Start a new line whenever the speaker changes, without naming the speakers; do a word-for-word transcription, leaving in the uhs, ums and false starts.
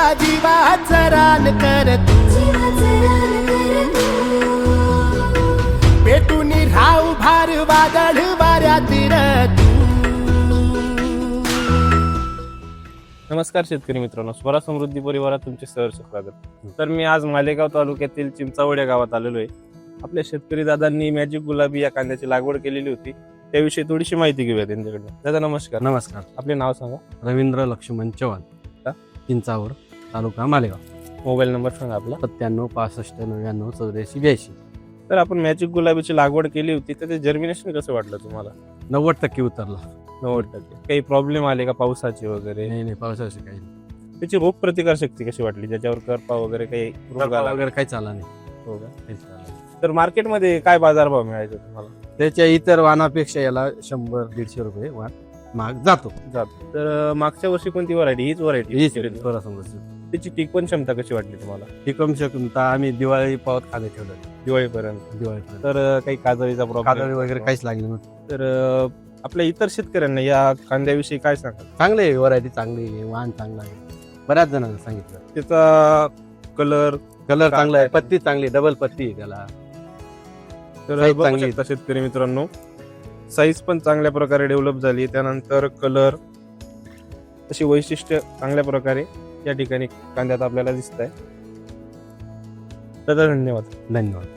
जीवाचं रान कर तू, पेटून राहू भार वादळ वाऱ्यातील तू.
नमस्कार शेतकरी मित्रांनो, स्वरा समृद्धी परिवारात तुमचे सहर्ष स्वागत. तर मी आज मालेगाव तालुक्यातील चिंचावड या गावात आलेलो आहे. आपल्या शेतकरी दादांनी मॅजिक गुलाबी या कांद्याची लागवड केलेली होती, त्याविषयी थोडीशी माहिती घेऊया त्यांच्याकडनं. दादा नमस्कार.
नमस्कार.
आपले नाव सांगा.
रवींद्र लक्ष्मण चव्हाण, चिंचावड, तालुका मालेगाव.
मोबाईल नंबर सांगा आपला.
सत्त्याण्णव पासष्ट नव्याण्णव चौऱ्याऐंशी ब्याऐंशी.
तर आपण मॅजिक गुलाबीची लागवड केली होती, तर ते जर्मिनेशन कसं वाटलं तुम्हाला?
नव्वद टक्के उतरला.
नव्वद टक्के. काही प्रॉब्लेम आले का पावसाचे वगैरे?
नाही नाही, पावसाची काही नाही.
त्याची रोग प्रतिकार शक्ती कशी वाटली? ज्याच्यावर करपा वगैरे काही रोग
करपा
आला
वगैरे काही चाला नाही.
हो का?
काहीच चाला नाही.
तर मार्केटमध्ये काय बाजारभाव मिळायचा तुम्हाला?
त्याच्या इतर वाहनापेक्षा याला शंभर दीडशे रुपये वाहन महाग जातो.
जातो. तर मागच्या वर्षी कोणती व्हरायटी? हीच व्हरायटी?
हीच थोडा समजा.
त्याची टिकवण क्षमता कशी वाटली तुम्हाला
ही कमी शकता आम्ही दिवाळी पावत खाणे ठेवलं.
दिवाळीपर्यंत?
दिवाळीपर्यंत
तर काही काजळीचा
कादळी
प्रॉब्लेम
वगैरे काहीच लागले नव्हते.
तर आपल्या इतर शेतकऱ्यांना या कांद्याविषयी काय सांगाल?
चांगले आहे, व्हरायटी चांगली आहे, वाहन चांगला आहे. बऱ्याच जणांना सांगितलं.
त्याचा कलर
कलर चांगला आहे, पत्ती चांगली, डबल पत्ती आहे त्याला.
तर
Size
बघू
चांगली.
शकता शेतकरी मित्रांनो, साईज पण चांगल्या प्रकारे डेव्हलप झाली. त्यानंतर कलर, अशी वैशिष्ट्य चांगल्या प्रकारे या ठिकाणी कांद्यात आपल्याला दिसत आहे. दादा धन्यवाद.
धन्यवाद.